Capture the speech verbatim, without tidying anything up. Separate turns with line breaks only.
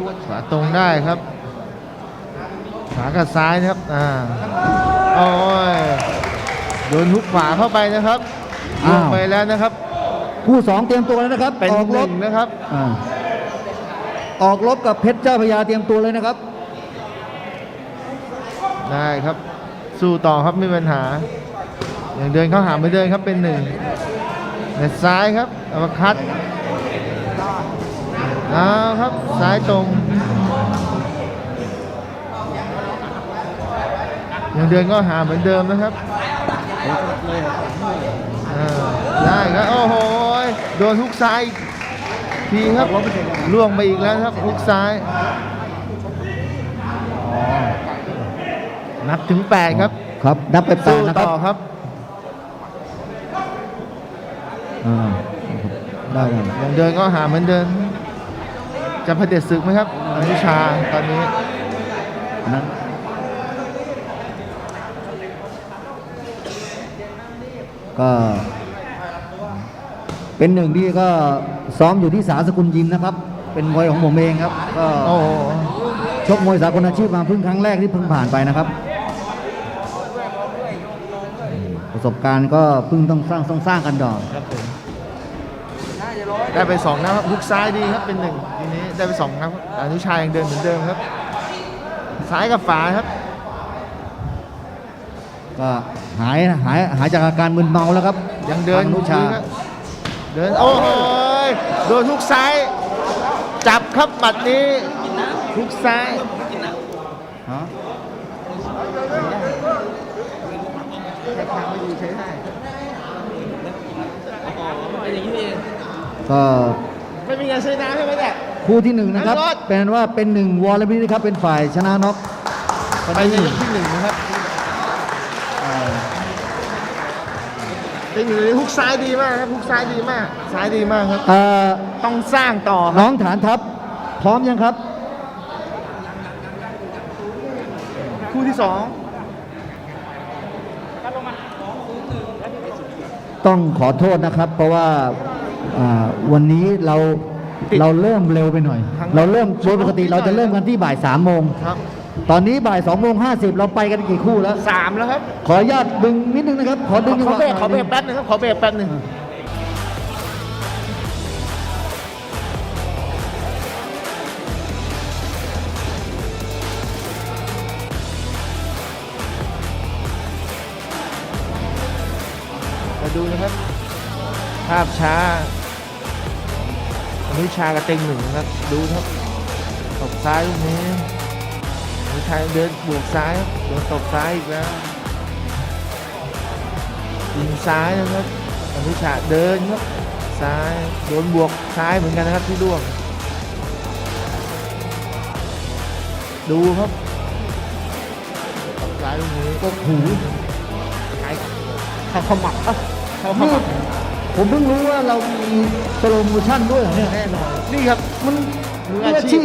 ขวาตรงได้ครับขวากับซ้ายนะครับอ่าโอ้ยโดนทุกขวาเข้าไปนะครับลงไปแล้วนะครับ
คู่สองเตรียมตัวแล้วนะครับ
เป็นหนึ่งนะครับ
ออกรบกับเพชรเจ้าพระยาเตรียมตัวเลยนะครับ
ได้ครับสู้ต่อครับไม่มีปัญหาอย่างเดินเข้าหาไม่เดินครับเป็นหนึ่งเน็ตซ้ายครับอัปคัตเอาครับซ้ายตรงอย่างเดินก็หาเหมือนเดิมนะครับได้ครับโอ้โหโดนทุกซ้ายทีครับล่วงไปอีกแล้วครับทุกซ้ายนับถึงแปดครับ
ครับนับไปแปดนะครับ
ต่อครับ
ได้
ยังเดินก็หาเหมือนเดิมจะเผด็จศึกไหมครับอนุชาตอนนี้
นะก็เป็นหนึ่งที่ก็ซ้อมอยู่ที่สาสกุลยิมนะครับเป็นมวยของผมเองครับก็ชกมวยสากลอาชีพมาเพิ่งครั้งแรกที่เพิ่งผ่านไปนะครับประสบการณ์ก็เพิ่งต้องสร้างต้องสร้างกันดอก
ได้ไปสองนะครับฮุกซ้ายดีครับเป็นหนึ่งทีนี้ได้ไปสองนะครับอนุชายังเดินเหมือนเดิมครับซ้ายกับฝาครับ
ก็หายหายหายจากอาการมึนเมาแล้วครับ
ยังเดินอนุชาเดินโอ้โหโดนฮุกซ้ายจับครับหมัดนี้ฮุกซ้าย
ก็
ไม่มีการชนะใช่ไหมเนี่ย
คู่ที่หนึ่งนะครับเป็นว่าเป็นหนึ่งวอลเลย์บอลนะครับเป็นฝ่ายชนะน็อก
ไปในยกที่หนึ่งนะครับเป็นหนึ่งฮุกซ้ายดีมากครับฮุกซ้ายดีมากซ้ายดีมากครับต้องสร้างต่อ
น้องฐานทัพพร้อมยังครับ
คู่ที่สอง
ต้องขอโทษนะครับเพราะว่าวันนี้เราเราเริ่มเร็วไปหน่อยเราเริ่มโดยปกติเราจะเริ่มกันที่บ่ายสามโมงตอนนี้บ่ายสองโมงห้าสิบเราไปกันกี่คู่แล้ว
สามแล้วครับ
ขออนุญาตดึงนิดนึงนะครับขอดึง
ขอเบรกขอเบรกแป๊บนึงครับขอเบรกแป๊บนึงมาดูนะครับภาพช้าอนุชากับเต็งหนึ่งครับดูครับตบซ้ายลูกนี้อนุชาเดินบวกซ้ายโดนตบซ้ายอีกแล้วยิงซ้ายนะครับอนุชาเดินครับซ้ายโดนบวกซ้ายเหมือนกันนะครับที่ร่วงดูครับตบซ้ายลูกนี้
ก็หู
เขาขมับอ่ะเขาขมับ
ผมเพิ่งรู้ว่าเรามีโปรโมชั่นด้วยเหรอเนี่ย
แน่นอนนี่ครับ
มันมืออาชีพ